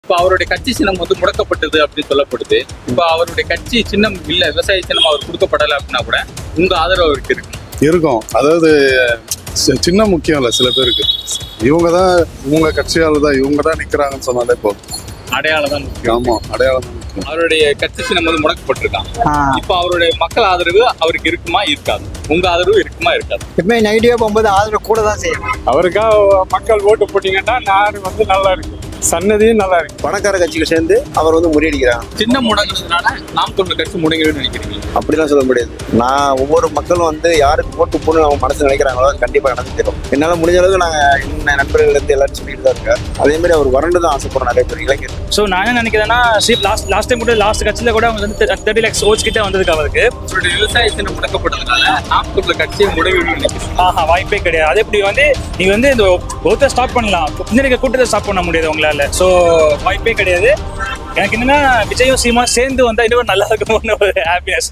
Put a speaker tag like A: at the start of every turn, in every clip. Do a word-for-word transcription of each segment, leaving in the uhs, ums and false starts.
A: இப்ப அவருடைய கட்சி சின்னம் வந்து முடக்கப்பட்டது அப்படின்னு சொல்லப்படுது. இப்ப அவருடைய கட்சி சின்னம் இல்ல, விவசாய சின்னம் அவர் கொடுக்கப்படலை அப்படின்னா கூட உங்க ஆதரவு அவருக்கு இருக்கு
B: இருக்கும். அதாவது சின்ன முக்கியம் இல்லை, சில பேருக்கு இவங்க தான் இவங்க கட்சியால தான் இவங்க தான் நிக்கிறாங்கன்னு சொன்னாலே போதும்.
A: அடையாளம் தான் முக்கியம்.
B: ஆமா, அடையாளம் தான் முக்கியம்.
A: அவருடைய கட்சி சின்னம் வந்து முடக்கப்பட்டிருக்கான். இப்ப அவருடைய மக்கள் ஆதரவு அவருக்கு இருக்குமா இருக்காது? உங்க ஆதரவு இருக்குமா இருக்காது?
C: எப்பவுமே நெகட்டிவா போகும்போது ஆதரவு கூட தான் செய்யணும்.
D: அவருக்காக மக்கள் ஓட்டு போட்டீங்கன்னா நாடு வந்து நல்லா இருக்கு, சன்னதியும் நல்லா இருக்கு.
E: பணக்கார கட்சிகள் சேர்ந்து அவர் வந்து முறியடிக்கிறாங்க.
A: சின்னம் முடங்குறதுனால நாம் தமிழர் கட்சி முடங்கிடுன்னு நினைக்கிறீங்க?
E: அப்படிலாம் சொல்ல முடியாது. நான் ஒவ்வொரு மக்களும் வந்து யாருக்கு ஓட்டு போடணும் அவங்க மனசு நினைக்கிறாங்களோ அது கண்டிப்பா நடந்துக்கிறோம். என்னால முடிஞ்ச அளவுக்கு நாங்க என்ன நண்பர்கள் இருந்து எல்லாரும் சொல்லிட்டு தான் இருக்கேன். அதே மாதிரி அவர் வறண்டு தான் ஆசைப்படுறோம் நிறைய பேர் இளைஞர்.
F: ஸோ நான் என்ன நினைக்கிறேன்னா லாஸ்ட் லாஸ்ட் டைம் கூட லாஸ்ட் கட்சியில் கூட அவங்க வந்து தேர்ட்டி லேக்ஸ் ஓட்ஸ் கிட்ட வந்ததுக்கு அவருக்கு
A: அவருடைய விவசாய சின்னம் முடக்கப்பட்டதுனால நாம் தமிழர் கட்சியை முடங்கிடுன்னு நினைக்கிறீங்க?
F: ஆஹா, வாய்ப்பே கிடையாது. அதே இப்படி வந்து நீங்க வந்து இந்த ஓட்டை ஸ்டாப் பண்ணலாம், பின்னாடி கூட்டத்தை ஸ்டாப் பண்ண முடியாது உங்களால. ஸோ வாய்ப்பே கிடையாது. எனக்கு என்னன்னா விஜயும் சீமா சேர்ந்து வந்தா இன்னும் நல்லா இருக்கும்னு ஒரு ஹாப்பினஸ்.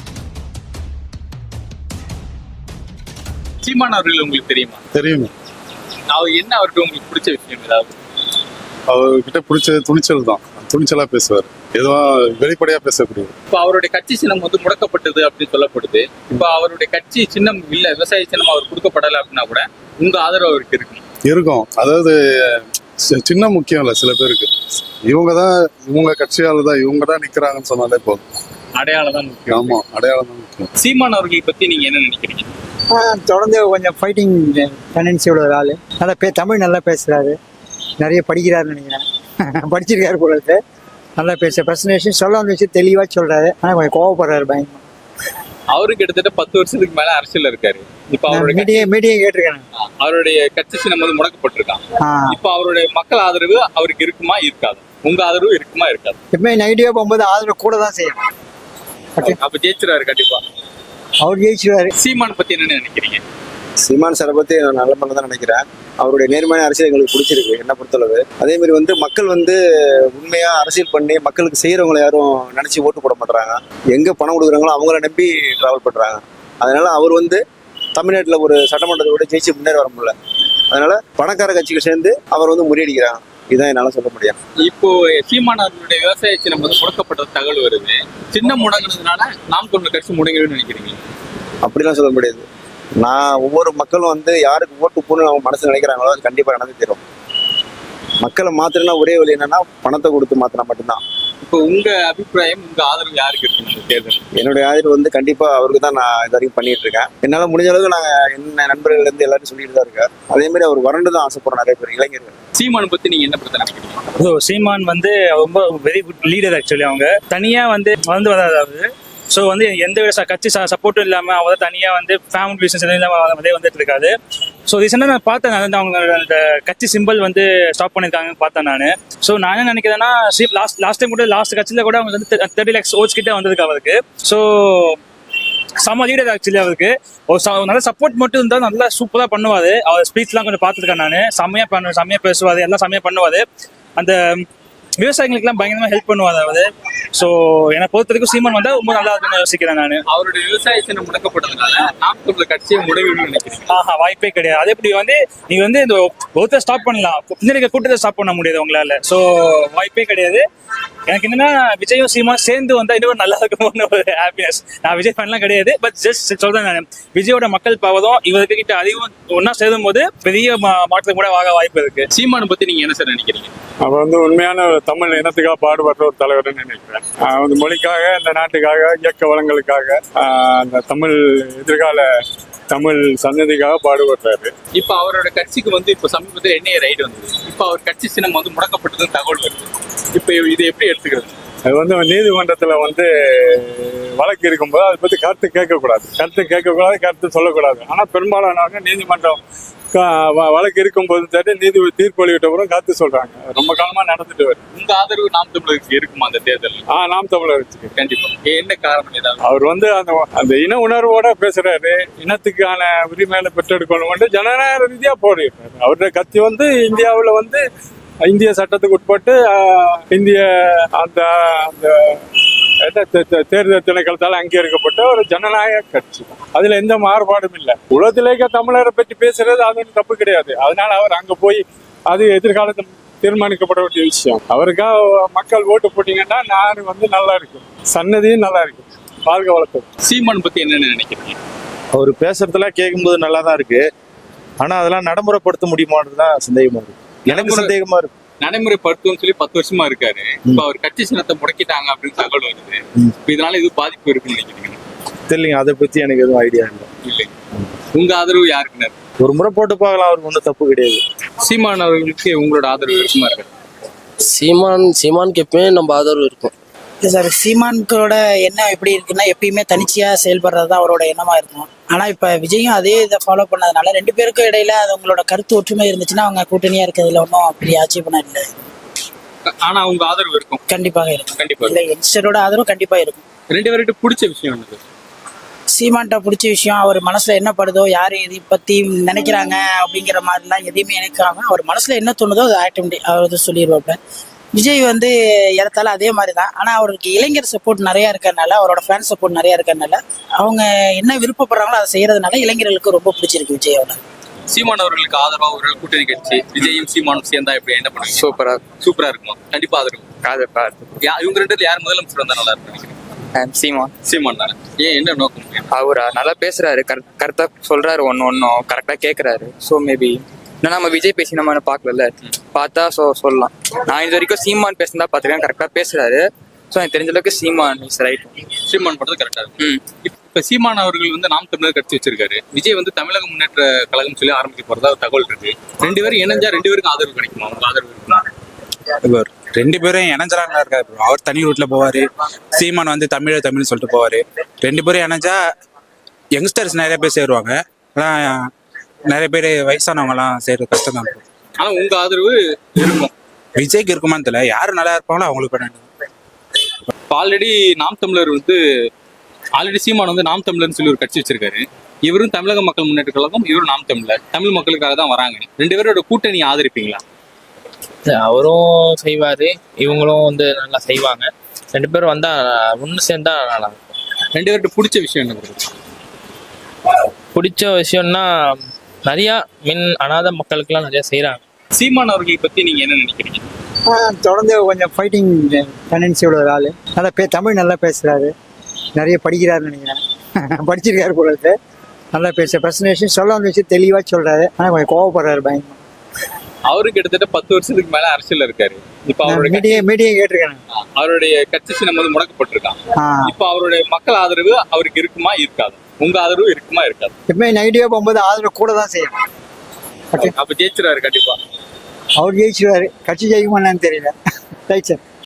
A: சீமான் அவர்கள் உங்களுக்கு தெரியுமா?
B: தெரியுமே.
A: அவர் என்ன அவருக்கு உங்களுக்கு பிடிச்ச விஷயம் ஏதாவது?
B: அவர்கிட்ட பிடிச்ச துணிச்சல் தான், துணிச்சலா பேசுவார், எதுவும் வெளிப்படையா பேசக்கூடியது.
A: இப்ப அவருடைய கட்சி சின்னம் வந்து முடக்கப்பட்டது அப்படின்னு சொல்லப்படுது. இப்ப அவருடைய கட்சி சின்னம் இல்ல, விவசாய சின்னம் அவர் கொடுக்கப்படலை அப்படின்னா கூட உங்க ஆதரவு அவருக்கு இருக்கு
B: இருக்கும். அதாவது சின்ன முக்கியம் இல்லை, சில பேருக்கு இவங்க தான் இவங்க கட்சியால தான் இவங்க தான் நிக்கிறாங்கன்னு சொன்னாலே போதும்.
A: அடையாளம் தான் முக்கியம்.
B: ஆமா, அடையாளம் தான் முக்கியம்.
A: சீமான் அவர்களை பத்தி நீங்க என்ன நினைக்கிறீங்க?
C: தொடர்ந்து கொஞ்சம் ஃபைட்டிங் டெண்டன்சியோட ஒரு ஆள். நல்லா பே தமிழ் நல்லா பேசுறாரு, நிறைய படிக்கிறாருன்னு நினைக்கிறேன். படிச்சிருக்காரு போல இருக்கு. நல்லா பேச பிரசன்டேஷன் சொல்ல வந்து வச்சு தெளிவாக சொல்றாரு. ஆனால் கொஞ்சம் கோவப்படுறாரு பயங்கரமா.
A: அவருக்கு கிட்டத்தட்ட பத்து வருஷத்துக்கு மேல அரசியல் இருக்காரு. இப்ப அவருடைய
C: மீடியா மீடியா கேட்டிருக்கேன்.
A: அவருடைய கட்சி சின்னம் வந்து முடக்கப்பட்டிருக்கான். இப்ப அவருடைய மக்கள் ஆதரவு அவருக்கு இருக்குமா இருக்காது? உங்க ஆதரவு இருக்குமா இருக்காது?
C: எப்பவுமே நெகட்டிவா போகும்போது ஆதரவு கூட தான் செய்யணும்.
A: அப்ப ஜெயிச்சிருவாரு கண்டிப்பா.
C: அவர் ஜெயிச்சிருவாரு.
A: சீமான் பத்தி என்ன நினைக்கிறீங்க?
E: சீமான் சாரை பத்தி நான் நல்ல பண்ண தான் நினைக்கிறேன். அவருடைய நேர்மையான அரசியல் எங்களுக்கு பிடிச்சிருக்கு என்ன பொறுத்தளவு. அதே மாதிரி வந்து மக்கள் வந்து உண்மையா அரசியல் பண்ணி மக்களுக்கு செய்யறவங்களை யாரும் நினைச்சு ஓட்டு போட மாட்டாங்க. எங்க பணம் கொடுக்குறாங்களோ அவங்கள நம்பி டிராவல் பண்றாங்க. அதனால அவர் வந்து தமிழ்நாட்டில் ஒரு சட்டமன்றத்தை விட ஜெயிச்சு முன்னேற வர முடியல. அதனால பணக்கார கட்சிகள் சேர்ந்து அவர் வந்து முறியடிக்கிறாங்க. இதான் என்னால சொல்ல முடியும்.
A: இப்போ சீமான் அவர்களுடைய விவசாய சின்னம் வந்து முடக்கப்பட்ட தகவல் வருது. சின்னம் முடங்கினதுனால நாம் தமிழர் கட்சி முடங்கிடுன்னு நினைக்கிறீங்க?
E: அப்படிலாம் சொல்ல முடியாது. நான் ஒவ்வொரு மக்களும் வந்து யாருக்கு ஓட்டு போடணும் அவங்க மனசு நினைக்கிறாங்களோ அது கண்டிப்பா நடந்து தரும். மக்களை மாத்திரனா ஒரே வழி என்னன்னா பணத்தை கொடுத்து மாத்தினா மட்டும்தான்.
A: இப்போ உங்க அபிப்பிராயம், உங்க ஆதரவு யாருக்கு இருக்கு இந்த தேர்தல்?
E: என்னுடைய ஆதரவு வந்து கண்டிப்பா அவருக்கு தான் நான் இது வரைக்கும் பண்ணிட்டு இருக்கேன். என்னால முடிஞ்ச அளவுக்கு நாங்க என்ன நண்பர்கள் இருந்து எல்லாரும் சொல்லிட்டு தான் இருக்கேன். அதே மாதிரி அவர் வறண்டு தான் ஆசைப்படுறோம் நிறைய பேர் இளைஞர்கள்.
A: சீமான் பத்தி நீங்க என்ன பிரச்சனை நினைக்கிறீங்க?
F: ஸோ சீமான் வந்து ரொம்ப வெரி குட் லீடர். ஆக்சுவலி அவங்க தனியா வந்து வந்து வராது. ஸோ வந்து எந்த வித கட்சி சப்போர்ட்டும் இல்லாமல் அவங்க தனியாக வந்து ஃபேமிலி பிஸ்னஸ் இல்லாமல் அதே வந்துட்டு இருக்காது. ஸோ ரீசெண்டாக நான் பார்த்தேன், நான் அவங்க அந்த கட்சி சிம்பிள் வந்து ஸ்டாப் பண்ணியிருக்காங்கன்னு பார்த்தேன் நான். ஸோ நான் என்ன நினைக்கிறேன்னா லாஸ்ட் லாஸ்ட் டைம் கூட லாஸ்ட் கட்சியில் கூட அவங்க வந்து தேர்ட்டி லேக்ஸ் ஓட்ஸ் கிட்ட வந்ததுக்கு அவருக்கு. ஸோ செம்ம லீடர் ஆக்சுவலி அவருக்கு. ஒரு நல்ல சப்போர்ட் மட்டும் இருந்தால் நல்லா சூப்பராக பண்ணுவார். அவர் ஸ்பீச்லாம் கொஞ்சம் பார்த்துருக்கேன் நான். செம்மையாக பண்ணு செம்மையாக பேசுவார், எல்லாம் செம்மையாக பண்ணுவார். அந்த விவசாயிகளுக்கெல்லாம் பயங்கரமா ஹெல்ப் பண்ணுவார் அவரு. ஸோ என்னை பொறுத்த வரைக்கும் சீமான் வந்தா ரொம்ப நல்லா இருக்குன்னு யோசிக்கிறேன் நான்.
A: அவருடைய விவசாய சின்னம் முடக்கப்பட்டதுனால நாம் தமிழர் கட்சியை முடங்கிடுன்னு நினைக்கிறீங்க?
F: ஆஹா, வாய்ப்பே கிடையாது. அதே இப்படி வந்து நீங்க வந்து இந்த ஒருத்தர் ஸ்டாப் பண்ணலாம், பின்னாடி கூட்டத்தை ஸ்டாப் பண்ண முடியாது உங்களால. ஸோ வாய்ப்பே கிடையாது. எனக்கு என்னன்னா விஜயும் சீமா சேர்ந்து வந்தா இன்னும் நல்லா இருக்கும்னு ஒரு ஹாப்பினஸ். நான் விஜய் ஃபேன்லாம் கிடையாது, பட் ஜஸ்ட் சொல்றேன் நான். விஜயோட மக்கள் பாவதும் இவருக்கு கிட்ட அதிகம் ஒன்னா சேரும் போது பெரிய மாற்றத்துக்கு கூட வாங்க வாய்ப்பு இருக்கு.
A: சீமானை பத்தி நீங்க என்ன சார் நினைக்கிறீங்க?
D: அவர் வந்து உண்மையான தமிழ் இனத்துக்காக பாடுபடுற ஒரு தலைவர்னு நினைக்கிறேன். வந்து மொழிக்காக, இந்த நாட்டுக்காக, இயக்க வளங்களுக்காக, அந்த தமிழ் எதிர்கால தமிழ் சன்னதிக்காக பாடுபடுறாரு.
A: இப்ப அவரோட கட்சிக்கு வந்து இப்ப சமீபத்தில் என்ஐஏ ரைடு வந்தது. இப்ப அவர் கட்சி சின்னம் வந்து முடக்கப்பட்டதுன்னு தகவல் வருது. இப்ப இது எப்படி எடுத்துக்கிறது?
D: அது வந்து நீதிமன்றத்துல வந்து வழக்கு இருக்கும்போது அதை பத்தி கருத்து கேட்கக்கூடாது, கருத்து கேட்கக்கூடாது, கருத்து சொல்லக்கூடாது. ஆனா பெரும்பாலானவங்க நீதிமன்றம் வழக்கு இருக்கும்போது சரி நீதி தீர்ப்பு அளிவிட்ட பிறகு கருத்து சொல்றாங்க. ரொம்ப காலமா நடந்துட்டு வருது.
A: உங்க ஆதரவு நாம் தமிழருக்கு இருக்குமா அந்த தேர்தல்?
D: ஆஹ் நாம் தமிழர் இருக்கு
A: கண்டிப்பா. என்ன காரணம்? ஏதாவது
D: அவர் வந்து அந்த அந்த இன உணர்வோட பேசுறாரு. இனத்துக்கான உரிமையில பெற்றெடுக்கணும், ஜனநாயக ரீதியா போடுறாரு. அவருடைய கட்சி வந்து இந்தியாவுல வந்து இந்திய சட்டத்துக்கு உட்பட்டு இந்திய அந்த அந்த தேர்தல் திணைக்களத்தால் அங்கீகரிக்கப்பட்ட ஒரு ஜனநாயக கட்சி. அதுல எந்த மாறுபாடும் இல்லை. உலகத்திலேயே தமிழரை பற்றி பேசுறது அது ஒன்றும் தப்பு கிடையாது. அதனால அவர் அங்க போய் அது எதிர்காலத்தில் தீர்மானிக்கப்பட வேண்டிய விஷயம். அவருக்காக மக்கள் ஓட்டு போட்டீங்கன்னா நாடு வந்து நல்லா இருக்கும், சன்னதியும் நல்லா இருக்கும். வாழ்க வளர்த்தது.
A: சீமான் பத்தி என்னன்னு நினைக்கிறீங்க?
G: அவர் பேசுறதெல்லாம் கேட்கும்போது நல்லா தான் இருக்கு, ஆனா அதெல்லாம் நடைமுறைப்படுத்த முடியுமான்னு தான் சந்தேகமா இருக்கு. எனக்கு
A: நடைமுறை-
G: சந்தேகமா இருக்கு.
A: நடைமுறைப்படுத்தும் சொல்லி பத்து வருஷமா இருக்காரு. இப்ப அவர் கட்சி சின்னத்தை முடக்கிட்டாங்க அப்படின்னு தகவல் வருது.
G: ம்.
A: இப்ப இதனால இது பாதிப்பு இருக்குன்னு நினைக்கிறீங்க?
G: தெரியலங்க, அதை பத்தி எனக்கு எதுவும் ஐடியா இல்லை.
A: இல்லை. உங்க ஆதரவு யாருக்குன்னு?
G: ஒரு முறை போட்டு பார்க்கலாம், அவருக்கு ஒன்றும் தப்பு கிடையாது.
A: சீமான் அவர்களுக்கு உங்களோட ஆதரவு இருக்குமா இருக்கு?
H: சீமான் சீமானுக்கு எப்பயுமே நம்ம ஆதரவு இருக்கும்.
I: இல்லை சார், சீமான்களோட எண்ணம் எப்படி இருக்குன்னா எப்பயுமே தனிச்சையாக செயல்படுறது தான் அவரோட எண்ணமாக இருக்கும். ஆனால் இப்போ விஜயும் அதே இதை ஃபாலோ பண்ணதுனால ரெண்டு பேருக்கும் இடையில அது உங்களோட கருத்து ஒற்றுமை இருந்துச்சுன்னா அவங்க கூட்டணியாக இருக்கிறதுல ஒன்றும் அப்படி ஆட்சேபணம் இல்லை.
A: ஆனா உங்க ஆதரவு இருக்கும்.
I: கண்டிப்பாக இருக்கும்.
A: கண்டிப்பா
I: இல்லை, யங்ஸ்டரோட ஆதரவு கண்டிப்பாக இருக்கும்.
A: ரெண்டு பேர்கிட்ட பிடிச்ச விஷயம் என்னது?
I: சீமான்ட்ட பிடிச்ச விஷயம் அவர் மனசில் என்ன படுதோ, யார் இதை பற்றி நினைக்கிறாங்க அப்படிங்கிற மாதிரிலாம் எதையுமே நினைக்காம அவர் மனசில் என்ன தோணுதோ அதை ஆட்டோமேட்டிக் அவர் வந்து சொல்லிடுவாப்ல. விஜய் வந்து ஏறத்தாலும் அதே மாதிரி தான். ஆனால் அவருக்கு இளைஞர் சப்போர்ட் நிறையா இருக்கிறதுனால, அவரோட ஃபேன் சப்போர்ட் நிறையா இருக்கிறதுனால, அவங்க என்ன விருப்பப்படுறாங்களோ அதை செய்யறதுனால இளைஞர்களுக்கு ரொம்ப பிடிச்சிருக்கு விஜயோட.
A: சீமான் அவர்களுக்கு ஆதரவா ஒரு கூட்டணி கட்சி விஜயும் சீமானும் சேர்ந்தா எப்படி என்ன பண்ணுவீங்க?
J: சூப்பரா
A: சூப்பரா இருக்குமா? கண்டிப்பா ஆதரவு.
J: ஆதரவா
A: யா- இவங்க ரெண்டு பேர்ல யார் முதலமைச்சர் வந்தா நல்லா இருக்கும் நினைக்கிறீங்க?
J: சீமான்
A: சீமான் தானே. ஏன், என்ன நோக்கம்?
J: அவரா நல்லா பேசுறாரு, கரெக்டா சொல்றாரு, ஒன்னு ஒன்னும் கரெக்டா கேக்குறாரு. ஸோ மேபி இன்னும் நம்ம விஜய் பேசி நம்ம பார்க்கல, பார்த்தா ஸோ சொல்லலாம். நான் இது வரைக்கும் சீமான் பேசினா பார்த்துருக்கேன், கரெக்டா பேசுறாரு. ஸோ எனக்கு தெரிஞ்ச அளவுக்கு சீமான் இஸ் ரைட்.
A: சீமான் பண்றது கரெக்டா இருக்கும்.
J: ம்
A: இப்ப சீமான் அவர்கள் வந்து நாம் தமிழர் கட்சி வச்சிருக்காரு. விஜய் வந்து தமிழக முன்னேற்ற கழகம் சொல்லி ஆரம்பிக்க போறதா ஒரு தகவல் இருக்கு. ரெண்டு பேரும் இணைஞ்சா ரெண்டு பேருக்கும் ஆதரவு கிடைக்குமா? உங்க ஆதரவு இருக்குமா?
K: இப்போ ரெண்டு பேரும் இணைஞ்சலாம் இருக்காரு bro. அவர் தனி ரூட்ல போவாரு, சீமான் வந்து தமிழ் தமிழ்னு சொல்லிட்டு போவாரு. ரெண்டு பேரும் இணைஞ்சா யங்ஸ்டர்ஸ் நிறைய பேர் சேருவாங்க, ஆனால் நிறைய பேர் வயசானவங்கலாம் சேர்றது கஷ்டம் தான் bro.
A: ஆனா உங்க ஆதரவு இருக்கும்.
K: விஜய்க்கு இருக்குமான்னு தெரியல, யாரு நல்லா இருப்பாங்களோ அவங்களுக்கு பண்ண.
A: ஆல்ரெடி நாம் தமிழர் வந்து ஆல்ரெடி சீமான் வந்து நாம் தமிழர்னு சொல்லி ஒரு கட்சி வச்சிருக்காரு. இவரும் தமிழக மக்கள் முன்னேற்ற கழகம், இவரும் நாம் தமிழர், தமிழ் மக்களுக்காக தான் வராங்க. ரெண்டு பேரோட கூட்டணி ஆதரிப்பீங்களா?
H: அவரும் செய்வாரு, இவங்களும் வந்து நல்லா செய்வாங்க. ரெண்டு பேரும் வந்தா ஒன்று சேர்ந்தா நல்லா இருக்கும்.
A: ரெண்டு பேர்கிட்ட பிடிச்ச விஷயம் என்ன bro?
H: பிடிச்ச விஷயம்னா நிறையா மின் அனாதை மக்களுக்கெல்லாம் நிறைய செய்கிறாங்க.
A: சீமான் அவர்களை பத்தி நீங்க என்ன நினைக்கிறீங்க?
C: தொடர்ந்து கொஞ்சம் ஃபைட்டிங் டெண்டன்சியோட ஒரு ஆள். நல்லா பே தமிழ் நல்லா பேசுகிறாரு, நிறைய படிக்கிறாருன்னு நினைக்கிறேன். படிச்சிருக்காரு போல இருக்கு. நல்லா பேச ப்ரெசன்டேஷன் சொல்ல வச்சு தெளிவாக சொல்கிறாரு. ஆனால் கொஞ்சம் கோவப்படுறாரு பயங்கரமா.
A: அவரு கிட்டத்தட்ட பத்து வருஷத்துக்கு மேல அரசியல்ல இருக்காரு. இப்ப அவருடைய கட்சி-
C: மீடியா மீடியா கேட்டிருக்கேன்.
A: அவருடைய கட்சி சின்னம் வந்து முடக்கப்பட்டிருக்கான்.
C: ஆ
A: இப்ப அவருடைய மக்கள் ஆதரவு அவருக்கு இருக்குமா இருக்காது? உங்க ஆதரவு இருக்குமா இருக்காது?
C: எப்பவுமே நெகட்டிவாக போகும்போது ஆதரவு கூட தான் செய்யும்.
A: அப்ப ஜெயிச்சிருவாரு கண்டிப்பா.
C: அவர் ஜெயிச்சிருவாரு, கட்சி ஜெயிக்குமா என்னன்னு தெரியல. Right sir.